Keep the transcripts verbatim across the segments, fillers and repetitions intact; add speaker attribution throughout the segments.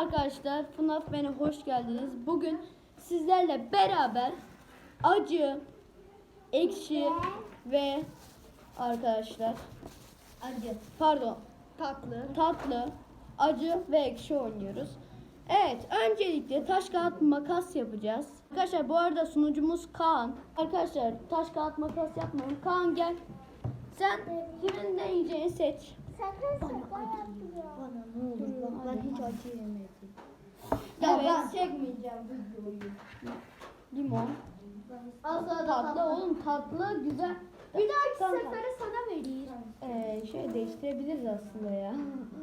Speaker 1: arkadaşlar, F NAF B'ne hoş geldiniz. Bugün sizlerle beraber acı, ekşi ve arkadaşlar acı, pardon tatlı, tatlı, acı ve ekşi oynuyoruz. Evet, öncelikle taş kağıt makas yapacağız. Arkadaşlar bu arada sunucumuz Kaan. Arkadaşlar taş kağıt makas yapmayın. Kaan gel. Sen kimin ne yiyeceğini seç.
Speaker 2: Sakın şaka yapma.
Speaker 3: Bana ne olur bak ben hiç acı yemedim.
Speaker 1: Ya
Speaker 2: Evet.
Speaker 1: ben çekmeyeceğim videoyu. Limon.
Speaker 2: Asla
Speaker 1: Tatlı oğlum, tatlı güzel.
Speaker 2: Bir dahaki
Speaker 1: Kanka.
Speaker 2: sefere sana vereyim.
Speaker 1: Ee, şöyle değiştirebiliriz aslında ya.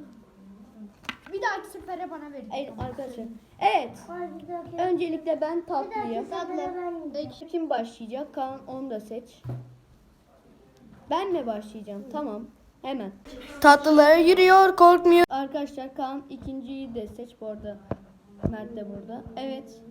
Speaker 2: Bir dahaki sefere bana verin.
Speaker 1: Evet arkadaşlar. Evet. Öncelikle ben tatlıyım.
Speaker 2: Tatlı.
Speaker 1: Kim başlayacak? Kaan, onu da seç. Ben mi başlayacağım? Tamam. Hemen. Tatlılara yürüyor, korkmuyor. Arkadaşlar Kaan ikinciyi de seç bu arada. Mert de burada. Evet.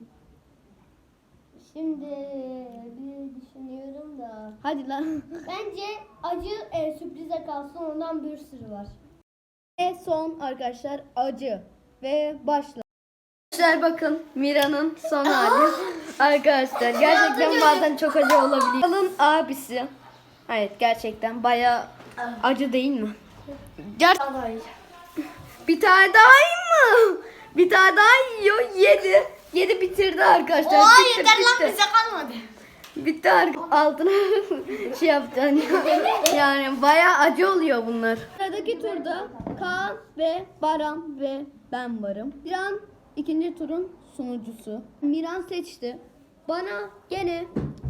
Speaker 2: Şimdi bir düşünüyorum da.
Speaker 1: Hadi lan.
Speaker 2: Bence acı e, sürprize kalsın, ondan bir sürü var.
Speaker 1: Ve son arkadaşlar acı. Ve başla. Arkadaşlar bakın Mira'nın son hali. Arkadaşlar gerçekten bazen çok acı olabiliyor. Alın abisi. Evet gerçekten bayağı acı değil mi? Ger- Bir tane daha yiyeyim mi? Bir tane daha yiyor. Yedi. Yedi bitirdi arkadaşlar.
Speaker 2: Oha
Speaker 1: Bitti,
Speaker 2: yeter lan,
Speaker 1: bitti.
Speaker 2: bize kalmadı.
Speaker 1: Bitti ar- altına şey yapacaksın. Yani bayağı acı oluyor bunlar. Sıradaki turda Kaan ve Baran ve ben varım. Miran ikinci turun sunucusu. Miran seçti. Bana gene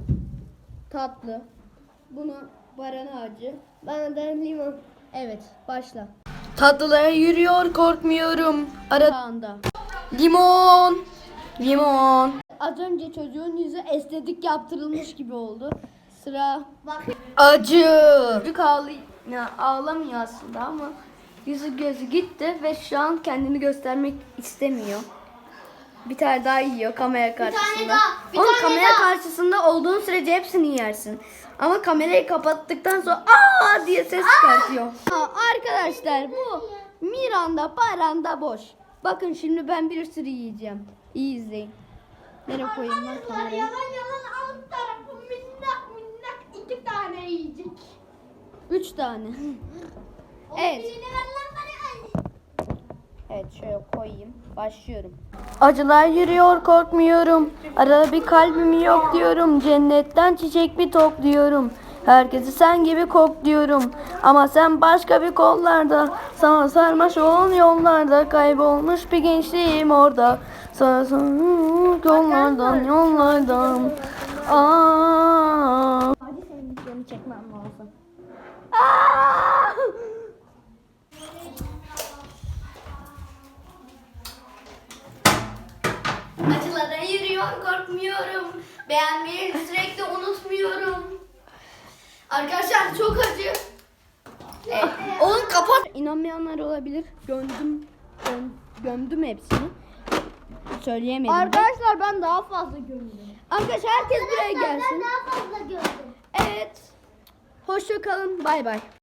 Speaker 1: tatlı. Bunu Baran'a acı. Bana da limon. Evet başla. Tatlılara yürüyor, korkmuyorum. Arada. Limon. Limon. Az önce çocuğun yüzü estetik yaptırılmış gibi oldu. Sıra
Speaker 2: Bak.
Speaker 1: acı. Çocuk ağlay ya, ağlamıyor aslında ama yüzü gözü gitti ve şu an kendini göstermek istemiyor. Bir tane daha yiyor kamera karşısında.
Speaker 2: daha, bir
Speaker 1: Oğlum,
Speaker 2: tane
Speaker 1: kamera
Speaker 2: daha.
Speaker 1: karşısında olduğun sürece hepsini yersin. Ama kamerayı kapattıktan sonra aa diye ses çıkartıyor. Aa, arkadaşlar bu Miranda Baran'da boş. Bakın şimdi ben bir sürü yiyeceğim. İyi izleyin. Nereye koyayım lan
Speaker 2: Arkadaşlar
Speaker 1: kamerayı?
Speaker 2: yalan yalan alt tarafı minnak minnak iki tane yiyecek.
Speaker 1: Üç tane.
Speaker 2: O
Speaker 1: Evet.
Speaker 2: birini ver lan bana.
Speaker 1: Evet şöyle koyayım. Başlıyorum. Acılar yürüyor, korkmuyorum. Arada bir kalbim yok diyorum. Cennetten çiçek bir topluyorum. Herkesi sen gibi kokluyorum. Ama sen başka bir kollarda. Sana sarmaş olan yollarda. Kaybolmuş bir gençliğim orada. Sana sarmaş yollardan yollardan. Aa.
Speaker 2: Hadi senin videonu çekmem lazım.
Speaker 1: Aa! Acılara yürüyor, korkmuyorum. Beğenmeyi sürekli unutmuyorum. Arkadaşlar çok acı. Evet. Oğlum kapat. İnanmayanlar olabilir. Gömdüm, göm, gömdüm hepsini. Söyleyemedim.
Speaker 2: Arkadaşlar ben daha fazla gördüm.
Speaker 1: Arkadaşlar herkes buraya gelsin.
Speaker 2: Ben daha fazla gördüm.
Speaker 1: Evet. Hoşça kalın. Bay bay.